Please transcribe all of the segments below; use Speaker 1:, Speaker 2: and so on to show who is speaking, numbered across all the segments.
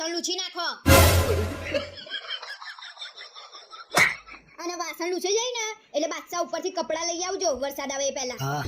Speaker 1: લૂછી નાખો અને વાસણ લૂછાઈ જાય ને એટલે બાદશાહ ઉપરથી કપડા લઈ આવજો વરસાદ આવે એ પહેલા.
Speaker 2: હા.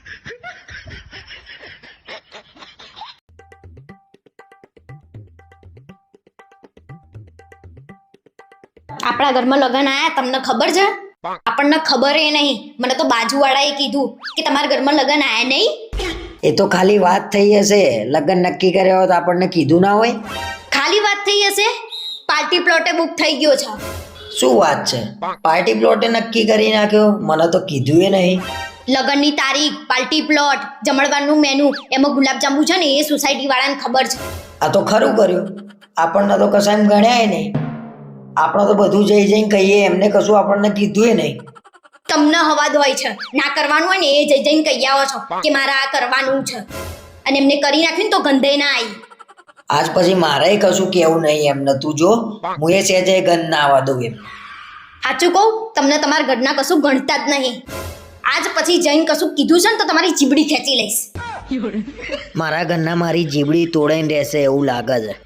Speaker 1: આપણા ઘરમાં લગન આયા તમને ખબર છે? આપણને ખબર એ નહીં, મને તો બાજુવાળાએ કીધું કે તમારા ઘરમાં લગન આયા નહીં.
Speaker 2: એ તો ખાલી વાત થઈ હશે, લગ્ન નક્કી કર્યા હોત આપણને કીધું ના હોય.
Speaker 1: ખાલી વાત થઈ હશે? પાર્ટી પ્લોટે બુક થઈ ગયો છે.
Speaker 2: શું વાત છે? પાર્ટી પ્લોટે નક્કી કરી નાખ્યો? મને તો કીધું એ નહીં.
Speaker 1: લગનની તારીખ, પાર્ટી પ્લોટ, જમણવારનું મેનુ, એમાં ગુલાબજાંબુ છે ને એ સોસાયટી વાળાને ખબર છે.
Speaker 2: આ તો ખરું કર્યું. આપણને તો કશા એમ ગણ્યા નહીં. આપણે તો બધું જઈ જઈને કહીએ, એમને કશું આપણને કીધું એ નહીં.
Speaker 1: તમને હવાદ હોય છે, ના કરવાનું હોય ને એ જઈ જઈને કહી આવો છો કે મારે આ કરવાનું છે, અને એમને કરી નાખ્યું ને તો ગંધે ના આવી.
Speaker 2: આજ પછી મારે કશું કેવું નહીં એમને. તું જો હું એ સહેજે ગંધ ના આવવા દઉં એમ.
Speaker 1: સાચું કહું, તમને તમારા ઘરના કશું ગણતા જ નહીં. આજ પછી જઈને કશું કીધું છે ને તો તમારી જીબડી ખેંચી લઈશ.
Speaker 2: મારા ઘરના મારી જીબડી તોડાઈને રહેશે એવું લાગે છે.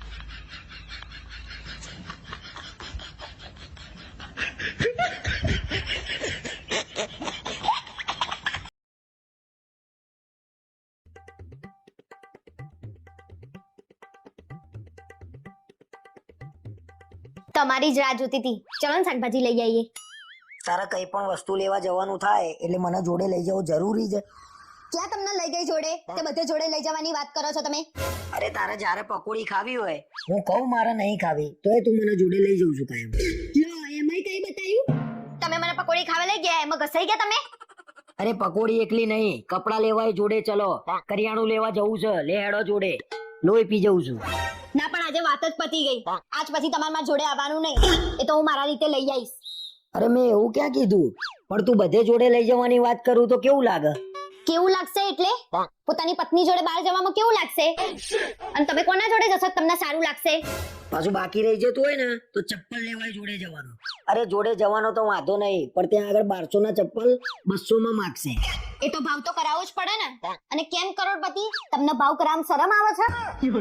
Speaker 1: તમારી જ રાહ જોતી હતી. ચલો ને શાકભાજી લઈ આવીએ.
Speaker 2: તારે કઈ પણ વસ્તુ લેવા જવાનું થાય એટલે મને જોડે લઈ જવું જરૂરી છે.
Speaker 1: ક્યાં તમને લઈ ગઈ જોડે? તે બધે જોડે લઈ જવાની વાત કરો છો તમે?
Speaker 2: અરે તારે જ્યારે પકોડી ખાવી હોય, હું કહું મારે નહીં ખાવી તોય તું મને જોડે લઈ જઉં છું કાયમ.
Speaker 1: એમાંય કઈ બતાવ્યું? તમે મને પકોડી ખાવા લઈ ગયા, એમાં ઘસાઈ ગયા તમે?
Speaker 2: અરે પકોડી એકલી નહીં, કપડા લેવાય જોડે. ચલો કરિયાણું લેવા જવું છે, લે હેડો જોડે. લોહી પી જઉં છું.
Speaker 1: ના પણ આજે વાત જ પતી ગઈ. આજ પછી તમારે મારા જોડે આવવાનું નહીં. એ તો હું મારા રીતે લઈ આવીશ.
Speaker 2: અરે મેં એવું ક્યાં કીધું? પણ તું બધે જોડે લઈ જવાની વાત કરું તો કેવું લાગે?
Speaker 1: કેવું લાગશે એટલે? પોતાની પત્ની જોડે બહાર જવામાં કેવું લાગશે? અને તમે કોના જોડે જશો તમને સારું લાગશે?
Speaker 2: પાછું બાકી રહી જતું હોય ને તો ચપ્પલ લેવાય જોડે જવાનું. અરે જોડે જવાનો તો વાંધો નહીં, પણ ત્યાં આગળ 1200 ના ચપ્પલ 200 માં માગશે.
Speaker 1: એ તો ભાવ તો કરાવવો જ પડે ને. અને કેમ કરોડપતિ, તમને ભાવ કરાવવામાં શરમ આવે છે?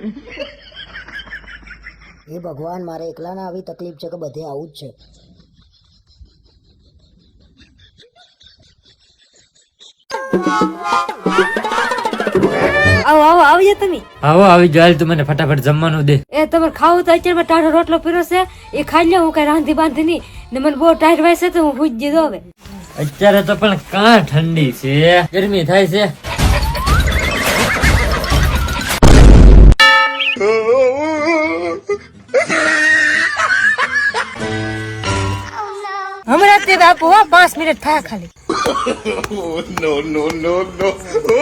Speaker 2: એ ભગવાન, મારે એકલાને આવી તકલીફ છે કે બધે આવું જ છે.
Speaker 3: આવો આવો આવજો તમે.
Speaker 4: આવો આવી જાલ, તું મને ફટાફટ જમવાનું દે.
Speaker 3: એ તમારે ખાવું તો અત્યારે ટાઢો રોટલો પીરો છે એ ખાઈ લે. હું કઈ રાંધી બાંધી નહીં ને મને બહુ ટાઈટ વાય છે તો હું ભૂજ દીધો. હવે
Speaker 4: અત્યારે તો પણ કાં ઠંડી છે, ગરમી થાય છે.
Speaker 3: હમણાં તે બાપુ 5 મિનિટ થયા ખાલી.
Speaker 5: No.